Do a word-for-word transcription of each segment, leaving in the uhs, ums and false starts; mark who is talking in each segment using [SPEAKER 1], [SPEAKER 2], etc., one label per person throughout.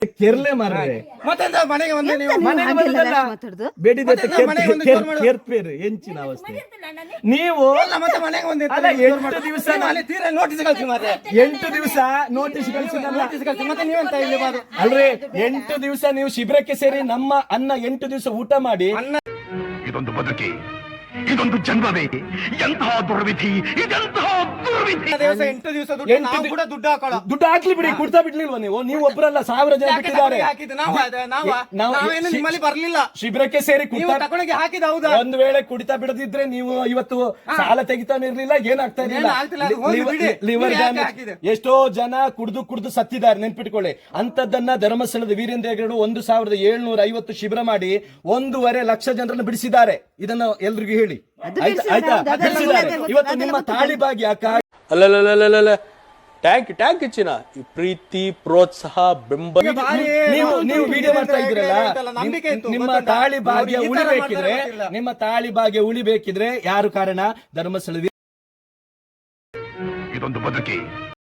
[SPEAKER 1] ಕೆರ್ಲೆ ಮಾರ್ರೆ
[SPEAKER 2] ಮತ್ತೆಂತ ಮನೆಗೆ ಬಂದೆ ನೀವು
[SPEAKER 1] ಮನೆಗೆ ಬಂದಲ್ಲ ಬೇಡಿದೆ ಕೆರ್ಪೇರು ಹೆಂಚಿನ ಅವಸ್ಥೆ ನೀವು
[SPEAKER 2] ಮತ್ತೆ ಮನೆಗೆ ಬಂದೆ
[SPEAKER 1] ಅಲ್ಲ ಎಂಟು ದಿವಸ
[SPEAKER 2] ಅಲ್ಲಿ ತೀರಾ ನೋಟಿಸ್ ಕಳಿಸಿ ಮಾರ್ರೆ
[SPEAKER 1] ಎಂಟು ದಿವಸ ನೋಟಿಸ್ ಕಳಿಸಿದಲ್ಲ
[SPEAKER 2] ನೋಟಿಸ್ ಕಳಿಸಿ ಮತ್ತೆ ನೀವೆಂತ ಇಲ್ಲಿ ಬಾದು
[SPEAKER 1] ಅಲ್ರಿ ಎಂಟು ದಿವಸ ನೀವು ಶಿಬಿರಕ್ಕೆ ಸೇರಿ ನಮ್ಮ ಅನ್ನ ಎಂಟು ದಿವಸ ಊಟ ಮಾಡಿ
[SPEAKER 3] ಇದೊಂದು ಬದುಕಿ ಇದೊಂದು ಜನ್ಮವೇ ಎಂತಹ ದುರ್ವಿಧಿ ಇದೆಂತಹ ದುರ್ವಿಧಿ
[SPEAKER 2] ದಿವಸ ಎಂಟು ದಿವಸ ದುಡ್ಡು ನಾವು ಕೂಡ ದುಡ್ಡು ಹಾಕೋಣ
[SPEAKER 1] ದುಡ್ಡು ಹಾಕ್ಲಿ ಬಿಡಿ ಕೊಡ್ತಾ ಬಿಡ್ಲಿಲ್ವಾ ನೀವು ನೀವು ಒಬ್ಬರಲ್ಲ ಸಾವಿರ ಜನ ಬಿಟ್ಟಿದ್ದಾರೆ
[SPEAKER 2] ಹಾಕಿದ್ದು ನಾವು ನಾವು ನಾವೇನು ನಿಮ್ಮಲ್ಲಿ ಬರ್ಲಿಲ್ಲ
[SPEAKER 1] ಶಿಬಿರಕ್ಕೆ ಸೇರಿ
[SPEAKER 2] ನೀವು ತಗೊಂಡೋಗಿ ಹಾಕಿದ ಹೌದಾ
[SPEAKER 1] ಒಂದ್ ವೇಳೆ ಕುಡಿತಾ ಬಿಡದಿದ್ರೆ ನೀವು ಇವತ್ತು ಸಾಲ ತೆಗಿತಾನೆ ಇರ್ಲಿಲ್ಲ ಏನಾಗ್ತಾ ಇರ್ಲಿಲ್ಲ ಲಿವರ್ ಡ್ಯಾಮೇಜ್ ಎಷ್ಟೋ ಜನ ಕುಡಿದು ಕುಡಿದು ಸತ್ತಿದ್ದಾರೆ ನೆನ್ಪಿಟ್ಕೊಳ್ಳಿ ಅಂತದನ್ನ ಧರ್ಮಸ್ಥಳದ ವೀರೇಂದ್ರ ಹೆಗ್ಗಡೆ ಒಂದು ಸಾವಿರದ ಏಳ್ನೂರ ಐವತ್ತು ಶಿಬಿರ ಮಾಡಿ ಒಂದೂವರೆ ಲಕ್ಷ ಜನರನ್ನು ಬಿಡಿಸಿದ್ದಾರೆ ಇದನ್ನು ಎಲ್ರಿಗೂ ಹೇಳಿ ಆಯ್ತಾ ಇವತ್ತು ನಿಮ್ಮ ತಾಳಿ ಭಾಗ್ಯ
[SPEAKER 4] ಅಲ್ಲಲ್ಲ ಟ್ಯಾಂಕ್ ಟ್ಯಾಂಕ್ ಹೆಚ್ಚಿನ ಈ ಪ್ರೀತಿ ಪ್ರೋತ್ಸಾಹ ಬೆಂಬಲ
[SPEAKER 1] ನೀವು ನೀವು ವಿಡಿಯೋ ಮಾಡ್ತಾ ಇದ್ರಲ್ಲ ನಿಮ್ಮ ತಾಳಿ ಭಾಗ್ಯ ಉಳಿಬೇಕಿದ್ರೆ ನಿಮ್ಮ ತಾಳಿ ಭಾಗ್ಯ ಉಳಿಬೇಕಿದ್ರೆ ಯಾರು ಕಾರಣ ಧರ್ಮಸ್ಥಳ
[SPEAKER 3] ಇದೊಂದು ಬದುಕಿ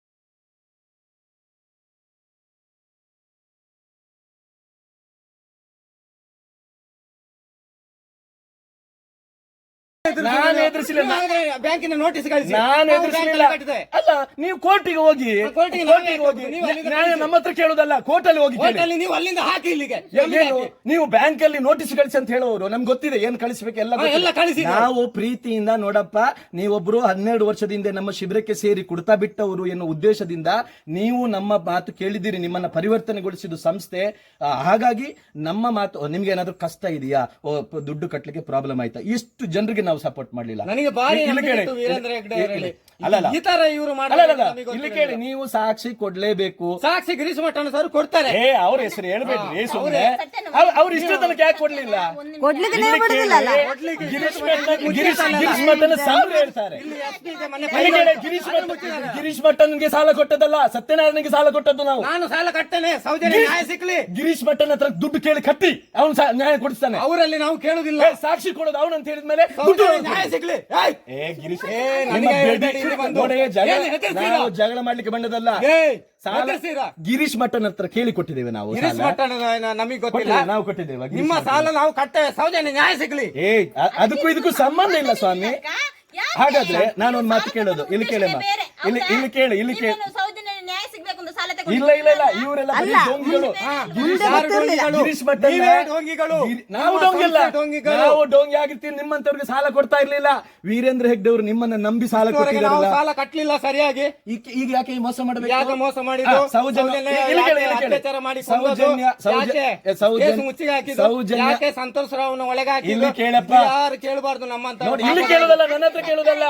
[SPEAKER 1] ನಾನು ಎದುರಿಸಿಲ್ಲ
[SPEAKER 2] ಬ್ಯಾಂಕಿನ ನೋಟಿಸ್ ಕಳಿಸಿ
[SPEAKER 1] ನಾನು ಎದುರಿಸಲಿಲ್ಲ ಅಲ್ಲ ನೀವು ಕೋರ್ಟಿಗೆ ಹೋಗಿ ಕೋರ್ಟಿಗೆ ಹೋಗಿ ನ್ಯಾಯ ನಮ್ಮ ಹತ್ರ ಕೇಳುದಲ್ಲ ಕೋರ್ಟಲ್ಲಿ ಹೋಗಿ ಕೇಳಿ.
[SPEAKER 2] ನೀವು ಅಲ್ಲಿಂದ ಹಾಕಿ ಇಲ್ಲಿಗೆ
[SPEAKER 1] ಏನು ನೀವು ಬ್ಯಾಂಕ್ ಅಲ್ಲಿ ನೋಟಿಸ್ ಕಳಿಸಿ ಅಂತ ಹೇಳೋರು ನಮ್ಗೆ ಗೊತ್ತಿದೆ ಏನ್ ಕಳಿಸ್ಬೇಕು ಎಲ್ಲ ಗೊತ್ತಿದೆ.
[SPEAKER 2] ಎಲ್ಲ ಕಳಿಸಿ
[SPEAKER 1] ನಾವು ಪ್ರೀತಿಯಿಂದ ನೋಡಪ್ಪ ನೀವೊಬ್ರು ಹನ್ನೆರಡು ವರ್ಷದಿಂದ ನಮ್ಮ ಶಿಬಿರಕ್ಕೆ ಸೇರಿ ಕುಡ್ತಾ ಬಿಟ್ಟವರು ಎನ್ನುವ ಉದ್ದೇಶದಿಂದ ನೀವು ನಮ್ಮ ಮಾತು ಕೇಳಿದ್ದೀರಿ, ನಿಮ್ಮನ್ನ ಪರಿವರ್ತನೆಗೊಳಿಸಿದ ಸಂಸ್ಥೆ. ಆ, ಹಾಗಾಗಿ ನಮ್ಮ ಮಾತು ನಿಮ್ಗೆ ಏನಾದ್ರು ಕಷ್ಟ ಇದೆಯಾ, ಓ, ಪ- ದುಡ್ಡು ಕಟ್ಲಿಕ್ಕೆ ಪ್ರಾಬ್ಲಮ್ ಆಯ್ತಾ, ಇಷ್ಟು ಜನರಿಗೆ ನಾವು ಸಪೋರ್ಟ್ ಮಾಡ್ಲಿಲ್ಲ.
[SPEAKER 2] ನನಗೆ ಬಾರಿ
[SPEAKER 1] ಇಲ್ಲಿ ಕೇಳಿ,
[SPEAKER 2] ನಂಬಿಕೆ ಇತ್ತು ವೀರೇಂದ್ರ ಹೆಗ್ಗಡೆ ಅವರಲ್ಲಿ.
[SPEAKER 1] ಅಲ್ಲಲ್ಲ
[SPEAKER 2] ಈ ತರ ಇವರು
[SPEAKER 1] ಅಲ್ಲಲ್ಲ ಇಲ್ಲಿ ಕೇಳಿ, ನೀವು ಸಾಕ್ಷಿ ಕೊಡ್ಲೇಬೇಕು.
[SPEAKER 2] ಸಾಕ್ಷಿ ಗಿರೀಶ್ ಮಠಣ್ಣ ಸರ್ ಕೊಡ್ತಾರೆ.
[SPEAKER 1] ಏ ಅವ್ರ ಹೆಸರು ಹೇಳ್ಬೇಡ್ರಿ ಸುಮ್ಮನೆ. ಅವ್ರ ಇಷ್ಟ ತನಕ ಯಾಕೆ ಕೊಡ್ಲಿಲ್ಲ?
[SPEAKER 5] ಕೊಡ್ಲಿಕ್ಕೆ ನೀವು ಬಿಡುದಿಲ್ಲಲ್ಲ.
[SPEAKER 1] ಗಿರೀಶ್ ಮಠನ್ ಗಿರೀಶ್ ಗಿರೀಶ್ ಮಠನ್ ಸಾಲು ಹೇಳ್ತಾರೆ. ಇಲ್ಲಿ ಕೇಳಿ, ಗಿರೀಶ್ ಮಠನ್ ಗಿರೀಶ್ ಮಠನ್ಗೆ ಸಾಲ ಕೊಟ್ಟದಲ್ಲ, ಸತ್ಯನಾರಾಯಣಗೆ ಸಾಲ ಕೊಟ್ಟದ್ದು ನಾವು.
[SPEAKER 2] ನಾನು ಸಾಲ ಕಟ್ಟೇನೆ, ಸೌಜನ್ಯ ನ್ಯಾಯ ಸಿಕ್ಲಿ.
[SPEAKER 1] ಗಿರೀಶ್ ಮಠನ್ ಹತ್ರ ದುಡ್ಡು ಕೇಳಿ ಕಟ್ಟಿ ಅವನು ನ್ಯಾಯ ಕೊಡಿಸ್ತಾನೆ.
[SPEAKER 2] ಅವರಲ್ಲಿ ನಾವು ಕೇಳುದಿಲ್ಲ.
[SPEAKER 1] ಏ, ಸಾಕ್ಷಿ ಕೊಡೋದು ಅವನು ಅಂತ ಹೇಳಿದ್ಮೇಲೆ ದುಡ್ಡು
[SPEAKER 2] ನ್ಯಾಯ ಸಿಕ್ಲಿ.
[SPEAKER 1] ಏ ಗಿರೀಶ್
[SPEAKER 2] ಏ,
[SPEAKER 1] ನಿಮ್ಮ
[SPEAKER 2] ನನಗೆ
[SPEAKER 1] ಬೇಡಿ-
[SPEAKER 2] ಇಲ್ಲಿ ಬಂದು
[SPEAKER 1] ನೋಡಿ, ಜಗಳ
[SPEAKER 2] ಏನು ಹೆದರ್ಸ್ತೀರಾ?
[SPEAKER 1] ನಾವು ಜಗಳ ಮಾಡ್ಲಿಕ್ಕೆ ಬಂದದಲ್ಲ.
[SPEAKER 2] ಏ,
[SPEAKER 1] ಸಾಲ
[SPEAKER 2] ಹೆದರ್ಸ್ತೀರಾ?
[SPEAKER 1] ಗಿರೀಶ್ ಮಠನ್ ಹತ್ರ ಕೇಳಿ ಕೊಟ್ಟಿದ್ದೇವೆ ನಾವು.
[SPEAKER 2] ಗಿರೀಶ್
[SPEAKER 1] ಸಾಲ.
[SPEAKER 2] ಮಠಣ್ಣ ನಮಗೆ ಗೊತ್ತಿಲ್ಲ.
[SPEAKER 1] ಕೊಟ್ಟಿದ್ದೇವೆ, ನಾವು ಕೊಟ್ಟಿದ್ದೇವೆ. ಗಿರೀಶ್
[SPEAKER 2] ನಿಮ್ಮ
[SPEAKER 1] ಮಠನ್.
[SPEAKER 2] ಸಾಲ ನಾವು ಕಟ್ಟೇವೆ, ಸೌಜನ್ಯ ನ್ಯಾಯ ಸಿಗ್ಲಿ.
[SPEAKER 1] ಏ ಅ- ಅದಕ್ಕೂ ಇದಕ್ಕೂ ಸಂಬಂಧ ಇಲ್ಲ ಸ್ವಾಮಿ. ಹಾಗಾದ್ರೆ ನಾನೊಂದು ಮಾತು ಕೇಳೋದು, ಇಲ್ಲಿ ಕೇಳಮ್ಮ, ಇಲ್ಲಿ ಇಲ್ಲಿ ಕೇಳಿ ಇಲ್ಲಿ ಕೇಳಿ ಇಲ್ಲ ಇಲ್ಲ ಇಲ್ಲ ಇವರೆಲ್ಲ ಬರೀ ಡೋಂಗಿಗಳು. ಗಿರೀಶ್ ಗಿರೀಶ್ ಮಠನ್
[SPEAKER 2] ನೀವೇ ಡೋಂಗಿಗಳು.
[SPEAKER 1] ಗಿರಿ- ನಾವು ಡೋಂಗಿಲ್ಲ, ನಾವು ಡೋಂಗಿ ಆಗಿರ್ತೀವಿ. ನಿಮ್ಮಂತವ್ರಿಗೆ ಸಾಲ ಕೊಡ್ತಾ ಇರ್ಲಿಲ್ಲ. ವೀರೇಂದ್ರ ಹೆಗ್ಗಡೆ ಅವರು ನಿಮ್ಮನ್ನ ನಂಬಿ ಸಾಲ
[SPEAKER 2] ಇದುವರೆಗೆ ನಾವು
[SPEAKER 1] ಕೊಟ್ಟಿದ್ದಾರಲ್ಲ,
[SPEAKER 2] ಸಾಲ ಕಟ್ಟಲಿಲ್ಲ ಸರಿಯಾಗಿ.
[SPEAKER 1] ಈಗ ಈಗ ಯಾಕೆ ಈ ಮೋಸ ಮಾಡಬೇಕು?
[SPEAKER 2] ಯಾಕೆ ಮೋಸ ಮಾಡಿದ್ದು?
[SPEAKER 1] ಆ, ಸೌಜನ್ಯ
[SPEAKER 2] ಸೌಜನ್ಯ
[SPEAKER 1] ಇಲ್ಲಿ ಕೇಳಿ, ಇಲ್ಲಿ ಕೇಳಿ.
[SPEAKER 2] ಅತ್ಯಾಚಾರ ಮಾಡಿ ಕೊಂದದ್ದು.
[SPEAKER 1] ಸೌಜನ್ಯ ಸೌಜನ್ಯ
[SPEAKER 2] ಯಾಕೆ?
[SPEAKER 1] ಸೌಜನ್ಯ
[SPEAKER 2] ಕೇಸು ಮುಚ್ಚಿಗೆ ಹಾಕಿದ್ದು.
[SPEAKER 1] ಸೌಜನ್ಯ
[SPEAKER 2] ಯಾಕೆ ಸಂತೋಷ್ ರಾವ್ನ ಒಳಗೆ ಹಾಕಿದ್ದು?
[SPEAKER 1] ಇಲ್ಲಿ ಕೇಳಪ್ಪ.
[SPEAKER 2] ಯಾರು ಕೇಳಬಾರ್ದು ನಮ್ಮಂತ.
[SPEAKER 1] ನೋಡಿ, ಇಲ್ಲಿ ಕೇಳುದಲ್ಲ, ನನ್ನ ಹತ್ರ ಕೇಳುದಲ್ಲ,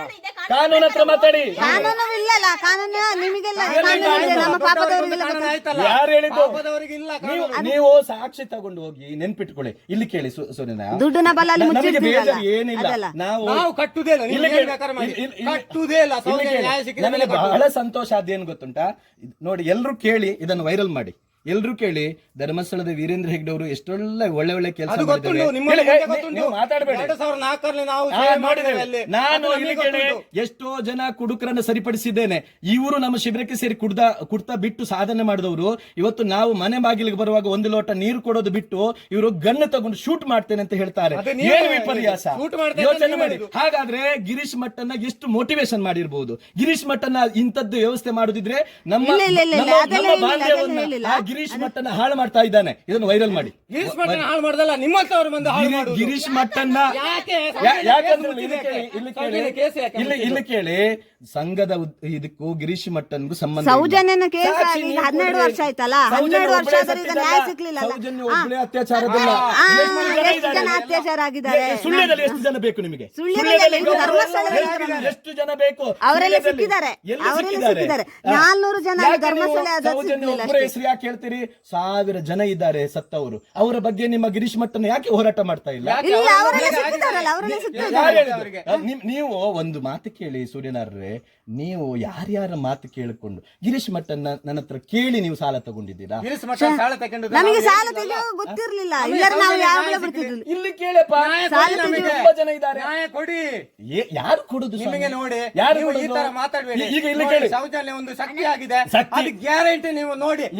[SPEAKER 1] ಕಾನೂನು ಹತ್ರ ಮಾತಾಡಿ.
[SPEAKER 5] ಕಾನೂನು ಇಲ್ಲಲ್ಲ, ಕಾನೂನು ನಿಮಗೆಲ್ಲ ಕಾನೂನು ಇದೆ, ನಮ್ಮ ಪಾಪದವರಿಗೆಲ್ಲ
[SPEAKER 2] ಕಾನೂನು ಆಯ್ತಲ್ಲ.
[SPEAKER 1] ಯಾರು ಹೇಳಿದ್ದು?
[SPEAKER 2] ಪಾಪದವರಿಗೆ ಇಲ್ಲ
[SPEAKER 1] ನೀವು
[SPEAKER 2] ಕಾನೂನು.
[SPEAKER 1] ನೀವು ಸಾಕ್ಷಿ ತಗೊಂಡು ಹೋಗಿ ನೆನ್ಪಿಟ್ಕೊಳ್ಳಿ. ಇಲ್ಲಿ ಕೇಳಿ ಸು- ಸೂರ್ಯನ
[SPEAKER 5] ದುಡ್ಡಿನ ಬಲ ಅಲ್ಲಿ
[SPEAKER 1] ನಮಗೆ
[SPEAKER 5] ಮುಚ್ಚಿಡ್ತೀರಲ್ಲ,
[SPEAKER 1] ಬೇಜಾರು ಏನಿಲ್ಲ.
[SPEAKER 5] ಅದಲ್ಲ.
[SPEAKER 1] ನಾವು
[SPEAKER 2] ನಾವು ಕಟ್ಟುದೇ ಇಲ್ಲ.
[SPEAKER 1] ಇಲ್ಲಿ
[SPEAKER 2] ನೀವು
[SPEAKER 1] ಕೇಳಿ,
[SPEAKER 2] ಏನ್ ಬೇಕಾದ್ರೆ ಮಾಡಿ.
[SPEAKER 1] ಇಲ್ಲಿ- ಇಲ್ಲಿ-
[SPEAKER 2] ಕಟ್ಟುದೇ ಇಲ್ಲ.
[SPEAKER 1] ಇಲ್ಲಿ
[SPEAKER 2] ಸೌಜನ್ಯ
[SPEAKER 1] ಕೇಳಿ.
[SPEAKER 2] ನ್ಯಾಯ ಸಿಕ್ಕಿದ ಮೇಲೆ
[SPEAKER 1] ನನಗೆ ಬಹಳ ಸಂತೋಷ ಆದ್ದೇನು ಗೊತ್ತುಂಟಾ? ಇದ್ ನೋಡಿ, ಎಲ್ರು ಕೇಳಿ, ಇದನ್ನು ವೈರಲ್ ಮಾಡಿ. ಎಲ್ರು ಕೇಳಿ, ಧರ್ಮಸ್ಥಳದ ವೀರೇಂದ್ರ ಹೆಗ್ಗಡೆ ಅವರು ಎಷ್ಟೊಳ್ಳೆ ಒಳ್ಳೆ ಒಳ್ಳೆ ಕೆಲಸ
[SPEAKER 2] ಅದು ಗೊತ್ತುಂಟು, ನಿಮ್ಮ
[SPEAKER 1] ನೀವು ಮಾತಾಡಬೇಡಿ.
[SPEAKER 2] ಎರಡು ಸಾವಿರದ ನಾಲ್ಕರಲ್ಲಿ ನಾವು
[SPEAKER 1] ಆ,
[SPEAKER 2] ಸೇವೆ
[SPEAKER 1] ಮಾಡಿದ್ದೇವೆ.
[SPEAKER 2] ಮಾಡಿದ್ದೇವೆ ಅಲ್ಲಿ.
[SPEAKER 1] ನಾನು
[SPEAKER 2] ಅದು
[SPEAKER 1] ಇಲ್ಲಿ
[SPEAKER 2] ನಮಗೆ
[SPEAKER 1] ಕೇಳಿ
[SPEAKER 2] ಗೊತ್ತುಂಟು.
[SPEAKER 1] ಎಷ್ಟೋ ಜನ ಕುಡುಕರನ್ನು ಸರಿಪಡಿಸಿದ್ದೇನೆ. ಇವರು ನಮ್ಮ ಶಿಬಿರಕ್ಕೆ ಸೇರಿ ಕುಡ್ದ ಕುಡ್ತಾ ಬಿಟ್ಟು ಸಾಧನೆ ಮಾಡಿದವರು ಇವತ್ತು ನಾವು ಮನೆ ಬಾಗಿಲಿಗೆ ಬರುವಾಗ ಒಂದು ಲೋಟ ನೀರು ಕೊಡೋದು ಬಿಟ್ಟು ಇವರು ಗನ್ ತಗೊಂಡು ಶೂಟ್ ಮಾಡ್ತೇನೆ ಅಂತ ಹೇಳ್ತಾರೆ.
[SPEAKER 2] ಅದು ನೀವು
[SPEAKER 1] ಏನು ವಿಪರ್ಯಾಸ!
[SPEAKER 2] shoot ಮಾಡ್ತೇನೆ ಅಂತ
[SPEAKER 1] ಯೋಚನೆ
[SPEAKER 2] ನೀವು
[SPEAKER 1] ಮಾಡಿ.
[SPEAKER 2] ಹೇಳಿದ್ದು.
[SPEAKER 1] ಹಾಗಾದ್ರೆ ಗಿರೀಶ್ ಮಟ್ಟನ್ನ ಎಷ್ಟು ಮೋಟಿವೇಶನ್ ಮಾಡಿರ್ಬೋದು. ಗಿರೀಶ್ ಮಟ್ಟನ್ನ ಇಂಥದ್ದು ವ್ಯವಸ್ಥೆ ಮಾಡುದಿದ್ರೆ ನಮ್ಮ
[SPEAKER 5] ಇಲ್ಲ, ಇಲ್ಲ, ಇಲ್ಲ,
[SPEAKER 1] ನಮ್ಮ-
[SPEAKER 5] ಅದೆಲ್ಲ
[SPEAKER 1] ನಮ್ಮ
[SPEAKER 5] ಹೇಳಿಲ್ಲ,
[SPEAKER 1] ಬಾಂಧವ್ಯವನ್ನ
[SPEAKER 5] ಅದೆಲ್ಲ
[SPEAKER 1] ಆ ಗಿರೀಶ್ ಮಟ್ಟನ್ನ ಹಾಳು ಮಾಡ್ತಾ ಇದ್ದಾನೆ. ಇದನ್ನು ವೈರಲ್ ಮಾಡಿ.
[SPEAKER 2] ಗಿರೀಶ್ ಮಠನ್ ಹಾಳು ಮಾಡ್ದಲ್ಲ, ನಿಮ್ಮಂತವ್ರು ಬಂದು ಹಾಳು
[SPEAKER 1] ಗಿರಿ-
[SPEAKER 2] ಮಾಡುದು.
[SPEAKER 1] ಗಿರೀಶ್ ಮಟ್ಟನ್ನ
[SPEAKER 2] ಯಾಕೆ?
[SPEAKER 1] ಯಾ- ಯಾಕಂದ್ರೆ
[SPEAKER 2] ಕೇಸು
[SPEAKER 1] ಇಲ್ಲಿ ಕೇಳಿ, ಇಲ್ಲಿ ಕೇಳಿ,
[SPEAKER 2] ಸೌಜನ್ಯ ಕೇಸು ಯಾಕೆ
[SPEAKER 1] ಇಲ್ಲಿ ಇಲ್ಲಿ ಕೇಳಿ, ಸಂಘದ ಉದ್- ಇದಕ್ಕೂ ಗಿರೀಶ್ ಮಟ್ಟನ್ಗೂ ಸಂಬಂಧ ಇಲ್ಲ.
[SPEAKER 5] ಸೌಜನ್ಯನ ಕೇಸ್
[SPEAKER 1] ಸಾಕ್ಷಿ
[SPEAKER 5] ಆಗಿ
[SPEAKER 1] ನೀವು
[SPEAKER 5] ಹನ್ನೆರಡು
[SPEAKER 1] ಕೊಡ್ರಿ.
[SPEAKER 5] ವರ್ಷ ಆಯ್ತಲ್ಲ,
[SPEAKER 1] ಸೌಜನ್ಯ
[SPEAKER 5] ಹನ್ನೆರಡು ವರ್ಷ
[SPEAKER 1] ಒಬ್ಳೇ
[SPEAKER 5] ಆದ್ರೆ ಈಗ
[SPEAKER 1] ಸತ್ತಿದ್ದಲ್ಲ.
[SPEAKER 5] ನ್ಯಾಯ ಸಿಕ್ಲಿಲ್ಲ.
[SPEAKER 1] ಸೌಜನ್ಯ ಒಬ್ಳೇ ಅತ್ಯಾಚಾರದಲ್ಲ.
[SPEAKER 5] ಆ,
[SPEAKER 1] ಎಷ್ಟು ಜನ
[SPEAKER 5] ಎಷ್ಟು
[SPEAKER 1] ಇದ್ದಾರೆ?
[SPEAKER 5] ಜನ ಅತ್ಯಾಚಾರ ಆಗಿದ್ದಾರೆ?
[SPEAKER 1] ಎ- ಸುಳ್ಯದಲ್ಲಿ ಎಷ್ಟು ಜನ ಬೇಕು ನಿಮಗೆ?
[SPEAKER 5] ಸುಳ್ಯದಲ್ಲಿ
[SPEAKER 1] ಸುಳ್ಯದಲ್ಲಿ
[SPEAKER 5] ಇದು ಧರ್ಮಸ್ಥಳದಲ್ಲಿ
[SPEAKER 1] ಎಷ್ಟು-
[SPEAKER 5] ಇದ್ದಾರೆ.
[SPEAKER 1] ಎಷ್ಟು ಜನ ಬೇಕು?
[SPEAKER 5] ಅವರೆಲ್ಲ
[SPEAKER 1] ಸುಳ್ಯದಲ್ಲಿ.
[SPEAKER 5] ಸಿಕ್ಕಿದ್ದಾರೆ,
[SPEAKER 1] ಎಲ್ಲಿ
[SPEAKER 5] ಅವರೆಲ್ಲ
[SPEAKER 1] ಸಿಕ್ಕಿದ್ದಾರೆ?
[SPEAKER 5] ಸಿಕ್ಕಿದ್ದಾರೆ.
[SPEAKER 1] ಆ.
[SPEAKER 5] ನಾಲ್ನೂರು ಜನ
[SPEAKER 1] ಯಾಕೆ
[SPEAKER 5] ಧರ್ಮಸ್ಥಳ
[SPEAKER 1] ನೀವು
[SPEAKER 5] ಅದು
[SPEAKER 1] ಸೌಜನ್ಯ
[SPEAKER 5] ಸಿಗ್ಲಿಲ್ಲ
[SPEAKER 1] ಒಬ್ಬರ
[SPEAKER 5] ಅಷ್ಟೇ.
[SPEAKER 1] ಹೆಸರು ಯಾಕೆ ಹೇಳ್ತೀರಿ? ಸಾವಿರ ಜನ ಇದ್ದಾರೆ ಸತ್ತವರು. ಅವರ ಬಗ್ಗೆ ನಿಮ್ಮ ಗಿರೀಶ್ ಮಟ್ಟನ ಯಾಕೆ ಹೋರಾಟ ಮಾಡ್ತಾ ಇಲ್ಲ?
[SPEAKER 2] ಯಾಕೆ?
[SPEAKER 5] ಇಲ್ಲ,
[SPEAKER 2] ಅವರ
[SPEAKER 5] ಅವರೆಲ್ಲ
[SPEAKER 2] ಮೇಲೆ
[SPEAKER 5] ಸಿಕ್ಕಿದ್ದಾರಲ್ಲ, ಅವರೆಲ್ಲ
[SPEAKER 2] ಯಾರು
[SPEAKER 5] ಸಿಕ್ಕಿದ್ದಾರೆ.
[SPEAKER 1] ಹೇಳಿದ್ದು?
[SPEAKER 2] ಅವರಿಗೆ?
[SPEAKER 1] ಅಹ್, ನಿಮ್- ನೀವು ಒಂದು ಮಾತು ಕೇಳಿ ಸೂರ್ಯನಾರ್ರೆ, ನೀವು ಯಾರ್ಯಾರ ಮಾತು ಕೇಳಿಕೊಂಡು ಗಿರೀಶ್ ಮಟ್ಟನ್ನ ನನ್ನ ಹತ್ರ ಕೇಳಿ ನೀವು ಸಾಲ ತಗೊಂಡಿದ್ದೀರಾ?
[SPEAKER 2] ಗಿರೀಶ್ ಮಠನ್ ಸಾಲ ತಗೊಂಡು
[SPEAKER 5] ನಮಗೆ ಸಾಲ ತೆಗೆಯೋ ಗೊತ್ತಿರ್ಲಿಲ್ಲ, ಇಲ್ಲರ ನಾವು ಯಾವಾಗಲೂ ಬಿಡ್ತಿರ್ಲಿಲ್ಲ.
[SPEAKER 1] ಇಲ್ಲಿ ಕೇಳಪ್ಪ,
[SPEAKER 5] ಸಾಲ
[SPEAKER 1] ನಮಗೆ ತುಂಬಾ ಜನ ಇದ್ದಾರೆ.
[SPEAKER 2] ನ್ಯಾಯ ಕೊಡಿ.
[SPEAKER 1] ಏ- ಯಾರು ಕೊಡುದು ಸ್ವಾಮಿ?
[SPEAKER 2] ನಿಮಗೆ ನೋಡಿ,
[SPEAKER 1] ಯಾರು
[SPEAKER 2] ನೀವು ಈ
[SPEAKER 1] ಕೊಡುದು?
[SPEAKER 2] ತರ ಮಾತಾಡಬೇಡಿ.
[SPEAKER 1] ಈಗ ಇಲ್ಲಿ
[SPEAKER 2] ನೋಡಿ,
[SPEAKER 1] ಕೇಳಿ,
[SPEAKER 2] ಸೌಜನ್ಯ ಒಂದು ಶಕ್ತಿ ಆಗಿದೆ.
[SPEAKER 1] ಶಕ್ತಿ.
[SPEAKER 2] ಅದು ಗ್ಯಾರಂಟಿ ನೀವು ನೋಡಿ.
[SPEAKER 1] ಇವ್ರು
[SPEAKER 2] ವಿರುದ್ಧವಾಗಿ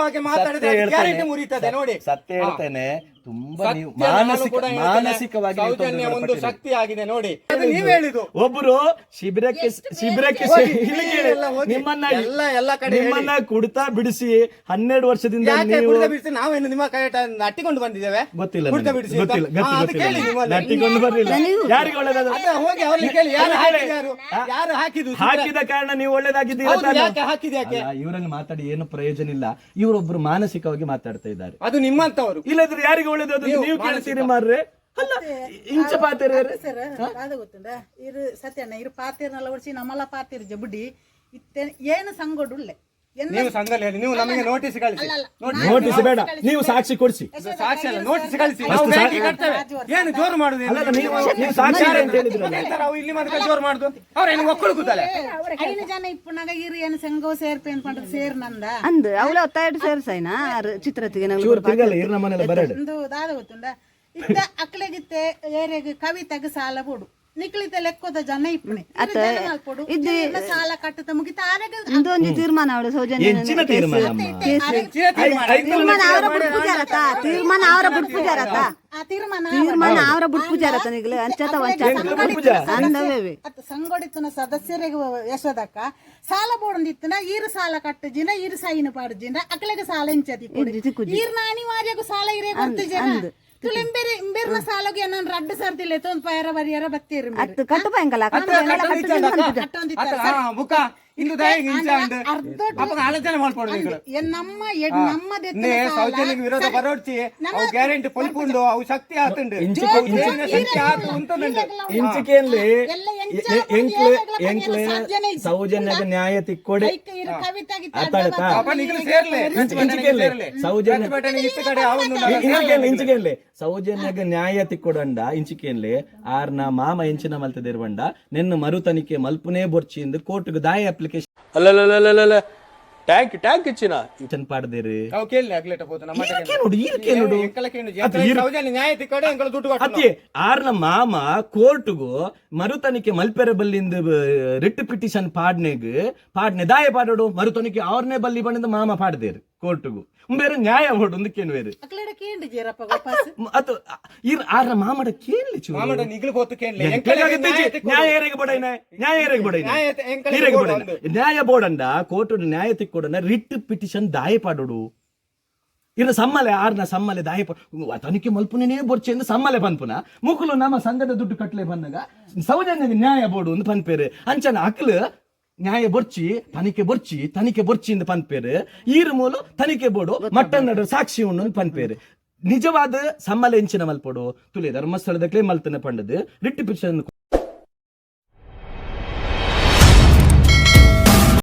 [SPEAKER 2] ವಿರುದ್ಧವಾಗಿ ಮಾತಾಡಿದ್ರೆ
[SPEAKER 1] ಸತ್ಯ ಹೇಳ್ತೇನೆ.
[SPEAKER 2] ಗ್ಯಾರಂಟಿ ಮುರಿತದೆ ನೋಡಿ.
[SPEAKER 1] ಸತ್ಯ ಹೇಳ್ತೇನೆ, ತುಂಬಾ ನೀವು
[SPEAKER 2] ಸತ್ಯ ನಾನು
[SPEAKER 1] ಮಾನಸಿಕ
[SPEAKER 2] ಕೂಡ ಹೇಳ್ತೇನೆ.
[SPEAKER 1] ಮಾನಸಿಕವಾಗಿ ನೀವು
[SPEAKER 2] ಸೌಜನ್ಯ
[SPEAKER 1] ತೊಂದರೆ
[SPEAKER 2] ಒಂದು
[SPEAKER 1] ಪಟ್ಟಿದ್ದೀರಿ.
[SPEAKER 2] ಶಕ್ತಿ ಆಗಿದೆ ನೋಡಿ. ಅದು ನೀವ್ ಹೇಳಿದ್ದು.
[SPEAKER 1] ಒಬ್ರು ಶಿಬಿರಕ್ಕೆ ಶಿಬಿರಕ್ಕೆ
[SPEAKER 2] ಹೋಗಿ,
[SPEAKER 1] ಇಲ್ಲಿ ಕೇಳಿ,
[SPEAKER 2] ಎಲ್ಲ ಹೋಗಿ.
[SPEAKER 1] ನಿಮ್ಮನ್ನ
[SPEAKER 2] ಎಲ್ಲ ಎಲ್ಲ ಕಡೆ
[SPEAKER 1] ನಿಮ್ಮನ್ನ ಕುಡ್ತಾ ಬಿಡಿಸಿ ಹನ್ನೆರಡು ವರ್ಷದಿಂದ
[SPEAKER 2] ಯಾಕೆ
[SPEAKER 1] ನೀವು
[SPEAKER 2] ಕುಡಿತ ಬಿಡಿಸಿ ನಾವೇನು ನಿಮ್ಮ ಕೈ ಅಟ್ಟಿಕೊಂಡು ಬಂದಿದ್ದೇವೆ?
[SPEAKER 1] ಗೊತ್ತಿಲ್ಲ
[SPEAKER 2] ಕುಡಿತ
[SPEAKER 1] ನನಗೆ.
[SPEAKER 2] ಬಿಡಿಸಿ ಅಂತ.
[SPEAKER 1] ಗೊತ್ತಿಲ್ಲ
[SPEAKER 2] ಹಾ,
[SPEAKER 1] ಗೊತ್ತಿ-
[SPEAKER 2] ಅದು ಕೇಳಿ
[SPEAKER 1] ಗೊತ್ತಿಲ್ಲ
[SPEAKER 2] ನಿಮ್ಮಲ್ಲಿ.
[SPEAKER 1] ನಟ್ಟಿಕೊಂಡು ಬರ್ಲಿಲ್ಲ. ಯಾರಿಗೆ ಒಳ್ಳೇದಾದ
[SPEAKER 2] ಅದೇ ಹೋಗಿ ಅವ್ರನ್ನ ಕೇಳಿ ಯಾರು ಹಾಕಿದ್ಯಾರು? ಯಾರು ಹಾಕಿದ್ದು?
[SPEAKER 1] ಹಾಕಿದ ಕಾರಣ ನೀವು ಒಳ್ಳೇದಾಗಿದ್ದೀರಾ
[SPEAKER 2] ಹೌದು,
[SPEAKER 1] ತಾನೇ?
[SPEAKER 2] ಯಾಕೆ ಹಾಕಿದ ಯಾಕೆ?
[SPEAKER 1] ಅಲ್ಲ, ಇವರನ್ನು ಮಾತಾಡಿ ಏನು ಪ್ರಯೋಜನ ಇಲ್ಲ. ಇವರೊಬ್ರು ಮಾನಸಿಕವಾಗಿ ಮಾತಾಡ್ತಾ ಇದ್ದಾರೆ.
[SPEAKER 2] ಅದು ನಿಮ್ಮಂತವರು.
[SPEAKER 1] ಇಲ್ಲದ್ರೆ ಯಾರಿಗೆ ಒಳ್ಳೇದು ಅದು
[SPEAKER 2] ನೀವು
[SPEAKER 1] ನೀವು ಕೇಳ್ತೀರಿ ಮಾರ್ರೆ. ಅಲ್ಲ ಇಂಚ ಪಾತೆರ
[SPEAKER 6] ಸರ್ ಅದು ಗೊತ್ತುಂಡ ಇರು ಸತ್ಯಣ್ಣ ಇರು ಪಾತಿರ್ನೆಲ್ಲ ಒಡಿಸಿ ನಮ್ಮಲ್ಲ ಪಾತಿರ್ ಜಬುಡಿ ಇತ್ತೆ ಏನು ಸಂಗೊಡುಳ್ಳೆ
[SPEAKER 2] ನೀವು ಸಂಘದಲ್ಲಿ ಹೇಳಿ, ನೀವು ನಮಗೆ ನೋಟಿಸ್ ಕಳಿಸಿ.
[SPEAKER 1] ನೋಟಿಸ್ ಬೇಡ, ನೀವು ಸಾಕ್ಷಿ ಕೊಡಿಸಿ.
[SPEAKER 2] ಸಾಕ್ಷಿ ಅಲ್ಲ, ನೋಟಿಸ್ ಕಳಿಸಿ. ನಾವು ಬ್ಯಾಂಕಿಗೆ ಕಟ್ತೇವೆ. ಏನು ಜೋರು ಮಾಡುದು?
[SPEAKER 1] ಅಲ್ಲ, ನೀವು ನೀವು ಸಾಕ್ಷಿ ಅಂತ ಹೇಳಿದ್ರಲ್ಲ.
[SPEAKER 2] ನಾವು ಇಲ್ಲಿ ಮನೆ ಜೋರು ಮಾಡುದು ಅವ್ರೇನು ಒಕ್ಕಳು ಕೂತಲೆ
[SPEAKER 6] ಐದು ಜನ ಇಪ್ಪುನಾಗ ಇರು ಏನು ಸಂಘ ಸೇರ್ಪೆ ಅನ್ಕೊಂಡ್ರೆ ಸೇರ್ ನಂದ
[SPEAKER 5] ಅಂದ್ ಅವಳ ಒತ್ತಾಯ ಸೇರ್ಸೈನಾ ಚಿತ್ರತಿಗೆ
[SPEAKER 1] ಚೂರು ತಿರ್ಗಲ್ಲ ಇರ್ ನಮ್ಮನೆಲ್ಲ ಬರಡು.
[SPEAKER 6] ಒಂದು ದಾದ ಗೊತ್ತುಂಡ ಇತ್ತ ಅಕ್ಲೆಗಿತ್ತೆ ಏರೆಗೆ ಕವಿತೆಗೆ ಸಾಲ ಕೊಡು ನಿಕ್ಲಿತ ಲೆಕ್ಕದ ಜನ ಇಪ್ಪಣೆ ಕೊಡು ಇದನ್ನ ಸಾಲ ಕಟ್ಟತ ಮುಗಿತ ಆರೆಗ
[SPEAKER 5] ಇಂದೊಂದು ತೀರ್ಮಾನ ಅವಳು ಸೌಜನ್ಯ
[SPEAKER 1] ಹೆಚ್ಚಿನ ತೀರ್ಮಾನ ಅಮ್ಮ.
[SPEAKER 5] ತೀರ್ಮಾನ ಅವರ ಬಿಟ್ಪುಜಾರತ ತೀರ್ಮಾನ ಅವರ ಬಿಟ್ಪುಜಾರತ
[SPEAKER 6] ಆ ತೀರ್ಮಾನ
[SPEAKER 5] ತೀರ್ಮಾನ ಅವರ ಬಿಟ್ಪುಜಾರತ ನಿಗ್ಲೆ ಅಂಚತ ವಂಚ ಅಂದವೇವೆ
[SPEAKER 6] ಸಂಘಟಿತನ ಸದಸ್ಯರಿಗೆ ಯಶೋದಕ್ಕ ಸಾಲ ಬೋಡಂದಿತ್ತನ ಈರು ಸಾಲ ಕಟ್ಟಜಿನ ಈರು ಸೈನ್ ಪಾಡ್ಜಿನ ಅಕ್ಲೆಗೆ ಸಾಲ ಇಂಚತಿ ಈರ್ನ ಅನಿವಾರ್ಯಗೂ ಸಾಲ ಇರೇ ಕೊಡ್ತಿಜನ ತುಳಿಂಬೇರೆ ಇಂಬೇರ್ನ ಸಾಲಗೆ ಏನನ್ ರಡ್ಡು ಸರ್ತಿಲ್ಲ ತೊಂದ್ ಪಯರ ಬರಿಯರ ಬತ್ತೀರಿ
[SPEAKER 5] ಅತ್ತು ಕಟ್ಟು ಭಯಂಕಲ
[SPEAKER 2] ಬುಕ್ಕ ಇಂದು ದಯ ಹಿಂಸ ಉಂಟು ಅಪ್ಪ ಆಲೋಚನೆ ಮಾಡ್ಕೊಡ್ಬೇಕು.
[SPEAKER 6] ನಮ್ಮ ಎಡ್- ನಮ್ಮದು ಎತ್ತಿನ
[SPEAKER 2] ನೇ
[SPEAKER 6] ಸಾಲ
[SPEAKER 2] ಸೌಜನ್ಯಕ್ಕೆ ವಿರೋಧ ಬರೋಡ್ಚಿ ಅವು ಗ್ಯಾರಂಟಿ ಪೊಲ್ಪುಂಡು ಅವು ಶಕ್ತಿ ಆತುಂಡು
[SPEAKER 1] ಇಂಚು
[SPEAKER 2] ದೇಶದ ಶಕ್ತಿ ಆತು ಉಂಟುಂಡು.
[SPEAKER 1] ಇಂಚಿಕೆಯಲ್ಲಿ
[SPEAKER 6] ಎಲ್ಲ ಎಂಚ
[SPEAKER 1] ಎಂಕ್ಲೆ
[SPEAKER 6] ಮಂದಿ
[SPEAKER 1] ಎಂಕ್ಲೆ
[SPEAKER 6] ಸಾಧ್ಯನೇ ಇಲ್ಲ.
[SPEAKER 1] ಸೌಜನ್ಯಕ್ಕೆ ನ್ಯಾಯ ತಿಕ್ಕೊಡಿ.
[SPEAKER 6] ಐಕ ಇರು ಕವಿತಾಗಿ
[SPEAKER 1] ಅತ್ತಾಳತ
[SPEAKER 2] ಪಾಪ ನಿಗ್ಲು ಸೇರ್ಲೆ
[SPEAKER 1] ಇಂಚಿಕೆಯಲ್ಲಿ ಸೌಜನ್ಯ
[SPEAKER 2] ಪ್ರತಿಭಟನೆ ಇತ್ತ ಕಡೆ ಅವನು
[SPEAKER 1] ಇಂಚಿಕೆಯಲ್ಲಿ ಇಂಚಿಕೆಯಲ್ಲಿ ಸೌಜನ್ಯಗೆ ನ್ಯಾಯ ತಿಕ್ಕೊಡಂಡ ಇಂಚಿಕೆಯಲ್ಲಿ ಆರ್ನ ಮಾಮ ಎಂಚಿನ ಮಲ್ತದಿರುವಂಡ ನಿನ್ನ ಮರು ತನಿಖೆ ಮಲ್ಪುನೇ ಬೊರ್ಚಿಂದು ಕೋರ್ಟ್ಗೆ ದಾಯ ಅಪ್ಲಿಕೇಶನ್
[SPEAKER 4] ಅಲ್ಲಲ್ಲಲ್ಲಲ್ಲ ಟ್ಯಾಂಕ್ ಟ್ಯಾಂಕ್ ಇಚ್ಚಿನ
[SPEAKER 1] ಚನ್ ಪಾಡ್ದೇರಿ
[SPEAKER 2] ಅವು ಕೇಳಿ ಆಗ್ಲೇಟ ಹೋತು ನಮ್ಮ
[SPEAKER 1] ಈರ್ಕೆ ನೋಡು ಈರ್ಕೆ ನೋಡು ಅದು ಈರ್-
[SPEAKER 2] ಸೌಜನ್ಯ ನ್ಯಾಯ ತಿಕ್ಕಡೆ ಎಂಕಲ ದುಡ್ಡು ಕೊಟ್ಟು
[SPEAKER 1] ಅತಿ ಆರ್ನ ಮಾಮ ಕೋರ್ಟ್ಗು ಮರು ತನಿಖೆ ಮಲ್ಪೆರೆ ಬಲ್ಲಿಂದ ರಿಟ್ ಪಿಟಿಷನ್ ಪಾಡ್ನೆಗ್ ಪಾಡ್ನೆ ದಾಯ ಪಾಡೋಡು ಮರು ತನಿಖೆ ಅವ್ರನ್ನೇ ಬಲ್ಲಿ ಬಂಡಿಂದ ಮಾಮ ಪಾಡ್ದೇರು ಕೋರ್ಟ್ಗು ಬೇರೆ ನ್ಯಾಯ ಹೊಡು ಒಂದಕ್ಕೇನು ಬೇರೆ
[SPEAKER 6] ಅಕ್ಲೆಡ ಕೇಂದ್ರ ಜೀರಪ್ಪ ವಾಪಸ್
[SPEAKER 1] ಅದು ಇರ್ ಆರ್ನ ಮಾಮಡ ಕೇಳಿ ಚೂರು
[SPEAKER 2] ಮಾಮಡ ನಿಗ್ಲು ಹೋತು ಕೇಳಿ
[SPEAKER 1] ನ್ಯಾಯ ಏರೆಗೆ ಬಡೈನ ನ್ಯಾಯ ಏರೆಗೆ ಬಡೈನ
[SPEAKER 2] ನ್ಯಾಯ ಎಂಕಲ
[SPEAKER 1] ನೀರೆಗೆ
[SPEAKER 2] ಬೋರ್ಡ್
[SPEAKER 1] ಬಡೈನ ನ್ಯಾಯ ಬೋರ್ಡಂಡ ಕೋರ್ಟ್ ನ್ಯಾಯ ತಿಕ್ಕೊಡನ ರಿಟ್ ಪಿಟಿಷನ್ ದಾಯ ಪಾಡೋಡು ಇನ್ನು ಸಮ್ಮಲೆ ಆರ್ನ ಸಮ್ಮಲೆ ದಾಯ ತನಿಖೆ ಮಲ್ಪುನೇ ಬೊರ್ಚೆಂದು ಸಮ್ಮಲೆ ಪನ್ಪುನ ಮುಕುಲು ನಮ್ಮ ಸಂಘದ ದುಡ್ಡು ಕಟ್ಲೆ ಬಂದಾಗ ಸೌಜನ್ಯಗೆ ನ್ಯಾಯ ಬೋರ್ಡು ಒಂದು ಪನ್ಪೇರು ಅಂಚನ ಅಕ್ಲು ನ್ಯಾಯ ಬೊರ್ಚಿ ತನಿಖೆ ಬೊರ್ಚಿ ತನಿಖೆ ಬೊರ್ಚಿಂದ ಪನ್ಪೇರು ಈರು ಮೂಲು ತನಿಖೆ ಬೋರ್ಡು ಮಟ್ಟನ್ನಡ ಸಾಕ್ಷಿ ಉಣ್ಣು ಪನ್ಪೇರು ನಿಜವಾದ ಸಮ್ಮಲೆ ಎಂಚಿನ ಮಲ್ಪೋಡು ತುಲೆ ಧರ್ಮಸ್ಥಳದ ಕ್ಲೇ ಮಲ್ತನ ಪಂಡದು ರಿಟ್ ಪಿಟಿಷನ್